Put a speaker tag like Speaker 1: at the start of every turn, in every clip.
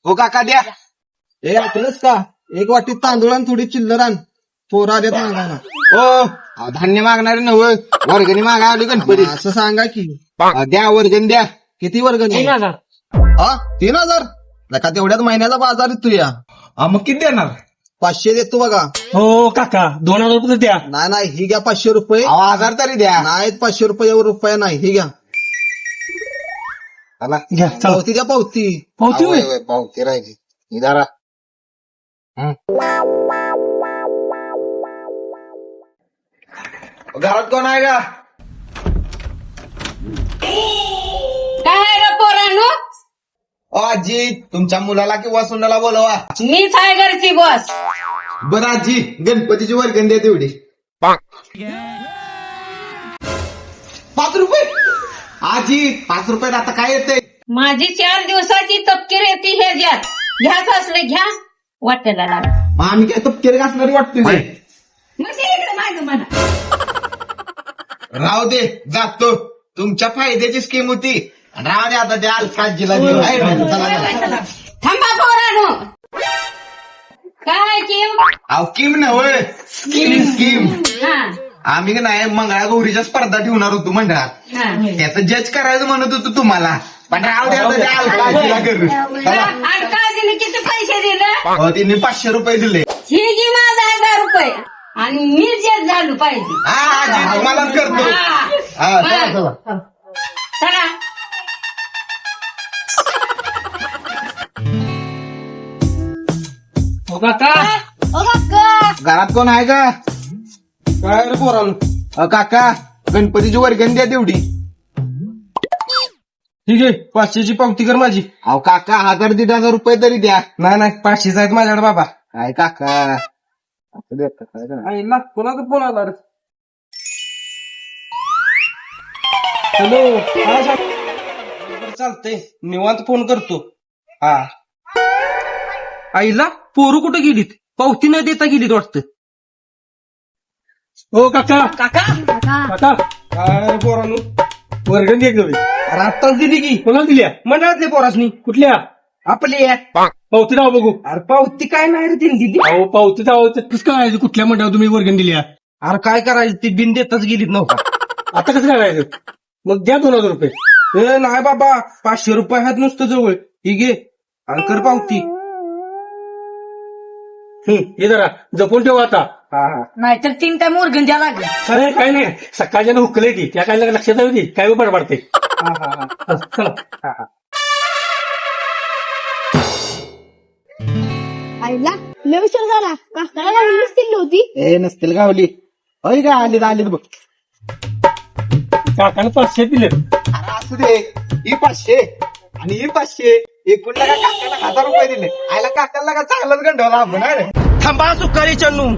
Speaker 1: हो काका द्या.
Speaker 2: हे ऐकलंच का? एक वाटी तांदूळ आणि थोडी चिल्लर आण. पोरा देत मागायला.
Speaker 1: हो धान्य मागणारे नव वर्गणी मागा आली गणपती.
Speaker 2: असं सांगा की.
Speaker 1: द्या वर्गणी द्या.
Speaker 2: किती वर्गणी?
Speaker 3: 3000.
Speaker 2: हा 3000? नका तेवढ्याच महिन्याचा बाजार आहे तुया.
Speaker 1: मग किती देणार?
Speaker 2: 500 देतो बघा.
Speaker 3: हो काका 2000 रुपये द्या.
Speaker 2: नाही ही घ्या 500 रुपये.
Speaker 1: 1000 तरी द्या.
Speaker 2: नाहीत 500 रुपयावर रुपया नाही. ही घ्या
Speaker 3: घ्या चला.
Speaker 2: पावती द्या पावती.
Speaker 3: पावती होय?
Speaker 1: पावती राहिली निदारा. घरात कोण आहे का?
Speaker 4: काय रे पोरांनो?
Speaker 1: आजी तुमच्या मुलाला किंवा सुनाला बोलवा.
Speaker 4: मीच आहे घरची बस.
Speaker 1: बरं आजी गणपतीची वर्गणी द्या तेवढी. 5 रुपये? आजी 5 रुपयात आता काय येते?
Speaker 4: माझी 4 दिवसाची तपकीर येते हे ज्यात घ्याच असले घ्या वाटेला लाग.
Speaker 1: मग आम्ही काय तपकेर घासणारी वाटतोय काय?
Speaker 4: म्हणजे इकडे माझं म्हणा.
Speaker 1: राहू दे जातो. तुमच्या फायद्याची स्कीम होती. राहू दे आता त्या आजीला देऊ. आहे ना? चला, चला.
Speaker 4: थांबा पोरांनो. काय की
Speaker 1: अहो किम नव्ह स्कीम.
Speaker 4: हा
Speaker 1: आम्ही का नाही मंगळागौरीच्या स्पर्धा ठेवणार होतो मंडळात.
Speaker 4: हा
Speaker 1: त्याचं जज करायचं म्हणत होतो तुम्हाला. पण राहू दे आता त्या आजीला करू. चला.
Speaker 4: आणि काजीने किती पैसे दिले?
Speaker 1: तिने 500 रुपये दिले.
Speaker 4: ही जी माझा 1000 रुपये आणि मी जे झालो पाहिजे.
Speaker 1: हा आजी तुम्हालाच करतो. हा चला चला.
Speaker 4: चला
Speaker 3: हो काका
Speaker 1: घरात कोण आहे का?
Speaker 2: काय रे पोरांनो?
Speaker 1: काका गणपतीची वर्गणी द्या तेवढी.
Speaker 2: ठीक आहे 500ची पावती कर माझी.
Speaker 1: अहो काका 1000-1500 रुपये तरी द्या.
Speaker 2: नाही 500 आहेत माझ्याकडे बाबा.
Speaker 1: काय काका असं देता काय का?
Speaker 2: आईला कोणाचा फोन आला रे? हॅलो. चालतंय निवांत फोन करतो. हा आईला पोरू कुठे गेलीत? पावती न देता गेलीत वाटतं.
Speaker 3: हो काका काका
Speaker 2: काय पोरांनो?
Speaker 3: वर्गण दे गं.
Speaker 2: अरे आत्ताच दिली की.
Speaker 3: कोणाला दिल्या?
Speaker 2: मंडळातले पोरासनी.
Speaker 3: कुठल्या?
Speaker 2: आपली आहे.
Speaker 3: पावती राव बघू.
Speaker 2: अरे पावती काय नाही रे तिने दिली.
Speaker 3: अहो पावती जाऊ कसं काय कुठल्या मंडळावर तुम्ही वर्गण दिल्या?
Speaker 2: अरे काय करायचं ती बिन देताच गेलीत नव्हता.
Speaker 3: आता कसं करायचं? मग द्या 2000 रुपये.
Speaker 2: ए नाही बाबा 500 रुपये आहेत नुसतं जवळ. ही घे आणि कर पावती.
Speaker 3: हे जरा जपून ठेवा आता.
Speaker 4: नाहीतर 3 टाइम वर्गण द्या लागेल.
Speaker 3: अरे काय नाही सकाळच्या हुकले ती त्या काय लक्षात येते काय बरं पडते. चला
Speaker 5: आईला लय विचार झाला. काकाला गाडीच दिली होती.
Speaker 1: ए नसतील गावली. होय का आलीत बघ.
Speaker 3: काकानं 500 दिले.
Speaker 1: अरे असू दे. ही 500 आणि ही 500 एकूण का काकाला 1000 रुपये दिले. आयला काकाला का चांगलाच गंडवला आपण. अरे
Speaker 2: थांबा सुकारी चन्नू.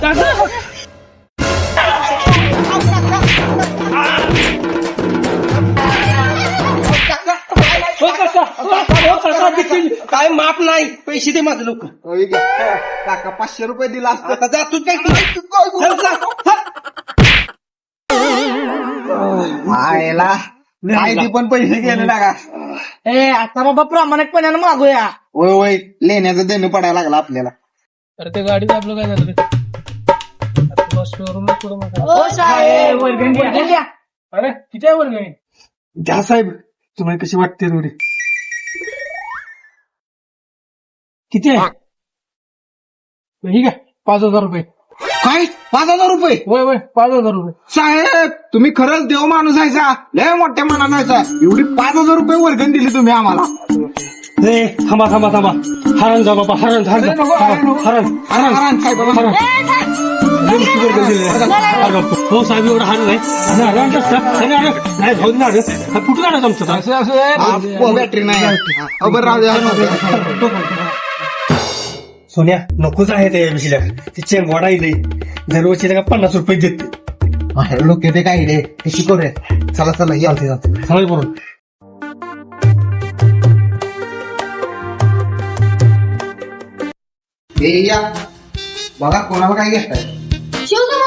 Speaker 2: काय माप नाही. पैसे दे माझं लोक.
Speaker 1: होय का? काका 500 रुपये दिला असतं.
Speaker 2: आता जातोच काय तू? चल जा.
Speaker 1: आयला काय ती पण पैसे गेले ना का?
Speaker 2: ए आता बाबा प्रामाणिकपणानं मागूया.
Speaker 1: होय होय लेण्याचं देणं पडायला लागलं आपल्याला.
Speaker 3: अरे ते गाडीचं आपलं काय झालं रे?
Speaker 5: ओ साहेब
Speaker 3: वर्गण द्या. अरे किती आहे वर्गणी?
Speaker 2: द्या साहेब. तुम्हाला कशी वाटते थोडी?
Speaker 3: किती आहे? ठीक आहे 5000 रुपये.
Speaker 1: काय 5000 रुपये?
Speaker 3: होय 5000 रुपये.
Speaker 1: साहेब तुम्ही खरंच देव माणूस आहे सा. लय मोठ्या मनानं आहे. एवढी 5000 रुपये वर्गण दिली तुम्ही आम्हाला.
Speaker 3: हे थांबा हरण जा बाबा हरण हो साहेब एवढं हरण नाही कुठून आलं तुमचं?
Speaker 1: बॅटरी नाही. बरं राहू द्या.
Speaker 3: सोन्या नकोच आहे ते विषयला ते चेंगवाडा येते दरवर्षी 50 रुपये देते.
Speaker 1: लोक ते काय रे ते शिकवरे. चला यावते
Speaker 3: चालेल बरोबर.
Speaker 1: या बघा कोणाला काय घेताय.
Speaker 5: शिवतो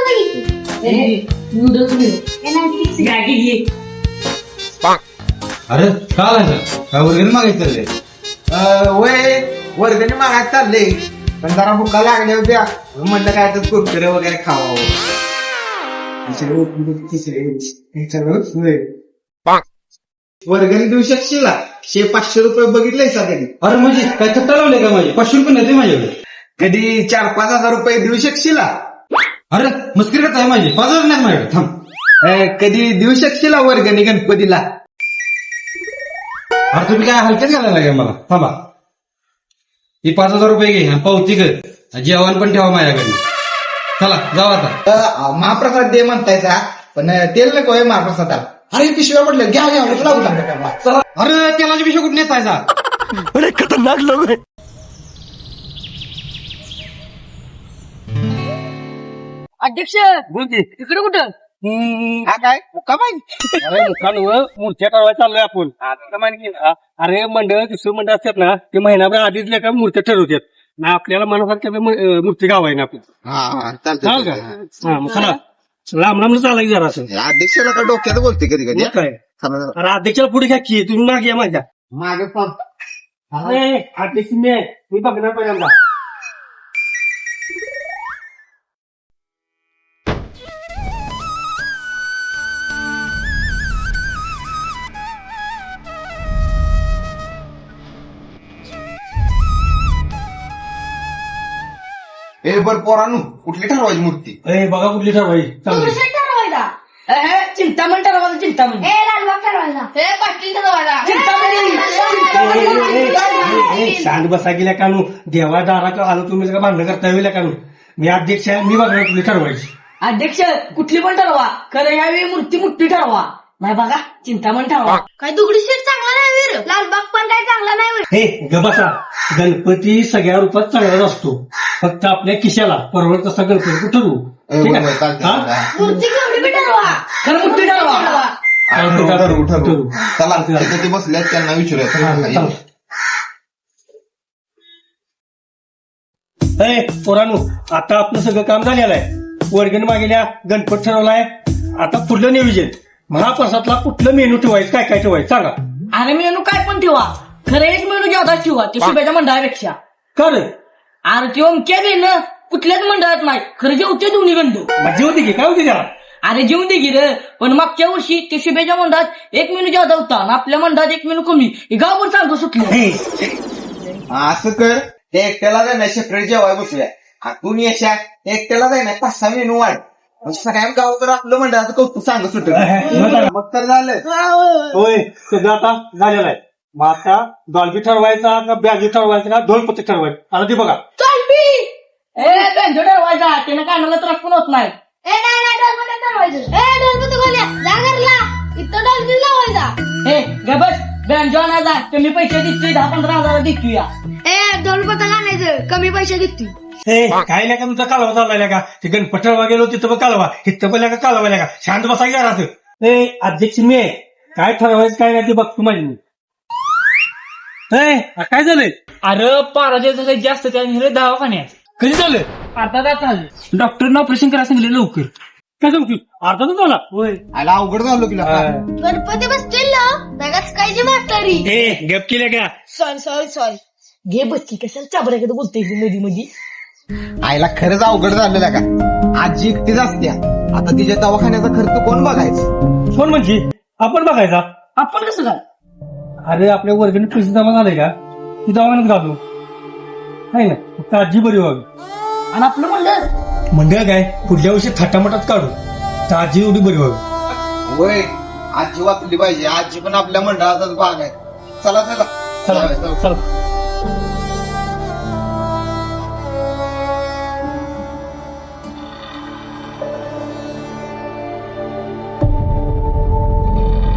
Speaker 1: अरे काय वर्गणी मागायचं रे? वय वर्गणी मागायला चालले पण जरा भुका लागल्या होत्या म्हणलं काय तर कुरकुरे वगैरे खावावं. वर्गणी देऊ शकशील 500 रुपये बघितले कधी?
Speaker 2: अरे म्हणजे काय थट्टा लावले का माझे? 500 रुपये नाही माझ्याकडे.
Speaker 1: कधी 4-5 हजार रुपये देऊ शकशील?
Speaker 2: अरे मस्करी करत आहे माझी. 5,000 नाही माझ्याकडे. थांब.
Speaker 1: कधी देऊ शकशील वर्गणी गणपतीला?
Speaker 2: अरे तुम्ही काय हलक्यात घालायला लागेल मला. थांबा. ही 5,000 रुपये घे आणि पावती कर. जेवण पण ठेवा माझ्याकडे. चला जाऊ आता.
Speaker 1: महाप्रसाद दे म्हणतायचा पण तेल नको आहे महाप्रसादाला.
Speaker 2: अरे पिशव्या पडल्या. घ्या चला. अरे तेलाची पिशवी कुठे नेसायचा?
Speaker 4: अध्यक्ष इकडे कुठं?
Speaker 1: हा काय मुक्का पाहिजे?
Speaker 3: अरे मुखांवर मूर्त्या ठरवायला चाललोय आपण. आता माहिती ना, अरे मंडळ दुसरं मंडळ असतात ना ते महिनाभर आधीच लेखा मूर्त्या ठरवतात ना. आपल्याला मनासारख्या मूर्ती गावाय ना आपण.
Speaker 1: हा
Speaker 3: चाल का?
Speaker 1: चालतंय.
Speaker 3: हा मग चला लांब लांब चालायचं जरा असं.
Speaker 1: अध्यक्षाला का डोक्यात बोलते कधी कधी.
Speaker 3: मग काय अरे अध्यक्षाला पुढे घ्या की तुम्ही मागे या माझ्या.
Speaker 1: मागे
Speaker 3: अरे अध्यक्ष मी आहे. मी बघणार पहिल्यांदा.
Speaker 1: बर पोरांनो कुठली ठरवायची मूर्ती?
Speaker 3: अरे बघा कुठली ठरवायची. चालू
Speaker 4: चिंतामण ठरवायचं. चिंतामण
Speaker 3: शांत बसा गेल्या कानू. देवा दारा आलो तुम्ही का भांडण करता येईल कानू. मी अध्यक्ष आहे. मी बघणार कुठली ठरवायची.
Speaker 4: अध्यक्ष कुठली पण ठरवा खरं यावेळी मूर्ती मोठी ठरवा. नाही बघा चिंतामण ठरवा.
Speaker 5: काय दुगडी शेट चांगला नाही वीर. लालबाग पण काय चांगला नाही वीर.
Speaker 3: हे ग बसा. गणपती सगळ्या रूपात चांगलाच असतो. फक्त आपल्या खिशाला परवडत तसा गणपती ठरवू. ठीक आहे? हा?
Speaker 5: मूर्ती केवढी बी ठरवा.
Speaker 4: खरं मोठी ठरवा.
Speaker 3: ठरवू.
Speaker 1: चला तिथे ते बसल्यात त्यांना
Speaker 3: हा,
Speaker 1: विचारूया.
Speaker 3: चला. हे पोरांनो आता आपलं सगळं काम झालेलं आहे. वर्गणी मागेल्या गणपत ठरवलाय. आता पुढलं नियोजन महाप्रसादला कुठलं मेनू ठेवायचं काय काय ठेवायचं सांगा.
Speaker 4: अरे मेनू काय पण ठेवा खरं एक मेनू जादा ठेवा ते शुभेच्या मंडळापेक्षा.
Speaker 3: कर
Speaker 4: अरे ते ओमक्या बी ना कुठल्याच मंडळात नाही खरं जेवते दोन्ही गंडू.
Speaker 3: मजा होती की काय होती त्याला.
Speaker 4: अरे जेवून दे गिर. पण मागच्या वर्षी ते शुभेच्या मंडळात एक मेनू जादा होता आणि आपल्या मंडळात एक मेनू कमी. हे गावभर सांगतो सुटलं.
Speaker 3: हे,
Speaker 1: असं कर ते एकट्याला जाय ना सेपरेट जेवाय बसूया. तू यशा एकट्याला जाय ना 5-6 मेनू वाढ. सगळ्या गाव तर आपलं मंडळाचं कौतुक सांग सुट. मग तर झालं.
Speaker 3: होय सगळं आता झालेलं आहे. मग आता डॉल्बी ठरवायचा का बॅगी ठरवायचा का ढोलपती ठरवायचं आता ते बघा.
Speaker 4: बेंजो ठरवायचा त्यानं कानाला त्रास पण होत नाही.
Speaker 5: नाही डॉल्बी ठरवायचं. डॉल्बी गोल्या जा घरला. इथं डॉल्बी लावायचा.
Speaker 4: हे गबस बेंजो आणायचा कमी पैसे देतोय 10-15 हजार देतोय.
Speaker 5: डॉल्बी आणायचं कमी पैसे देतोय.
Speaker 3: हे काय नाही का तुमचा कालवा चाललाय का. ते गणपती ठरवा गेलो तिथं पण कालवा इथं पण का कालवा का. शांत बसा की जरा. हे अध्यक्ष मी आहे. काय ठरवायचं काय नाही ते बघतो माझी मी. काय झालंय.
Speaker 6: अरे पाराचे जास्त त्याने दवाखान्यात
Speaker 3: कधी झालं.
Speaker 6: आता काय झालं डॉक्टरनं ऑपरेशन करायला सांगितलं लवकर.
Speaker 3: काय सांगतो अर्धा तर झाला. होय
Speaker 1: आला अवघड झालो की
Speaker 5: गणपती बसतील ना जगाच काय जी म्हातारी.
Speaker 3: हे गप केल्या का.
Speaker 5: सॉरी
Speaker 4: घे बच्ची कशाला चाबऱ्याकडे बोलतोय मध्ये मध्ये.
Speaker 1: आईला खरंच अवघड झालेला का. आजी एकटीच असत्या. आता तिच्या दवाखान्याचा खर्च कोण बघायचं?
Speaker 3: कोण म्हणजे आपण बघायचा.
Speaker 4: आपण कसं काय.
Speaker 3: अरे आपल्या वर्गणी पैसे जमा झाले का ती दवाखान्यात घालू आहे ना. फक्त आजी बरी व्हावी.
Speaker 4: आणि आपलं मंडळ
Speaker 3: मंडळ काय पुढल्या वर्षी थाटामाटात काढू तर आजी एवढी बरी व्हावी.
Speaker 1: होय आजी वाचली पाहिजे. आजी पण आपल्या मंडळाचाच भाग आहे. चला
Speaker 3: चला चला.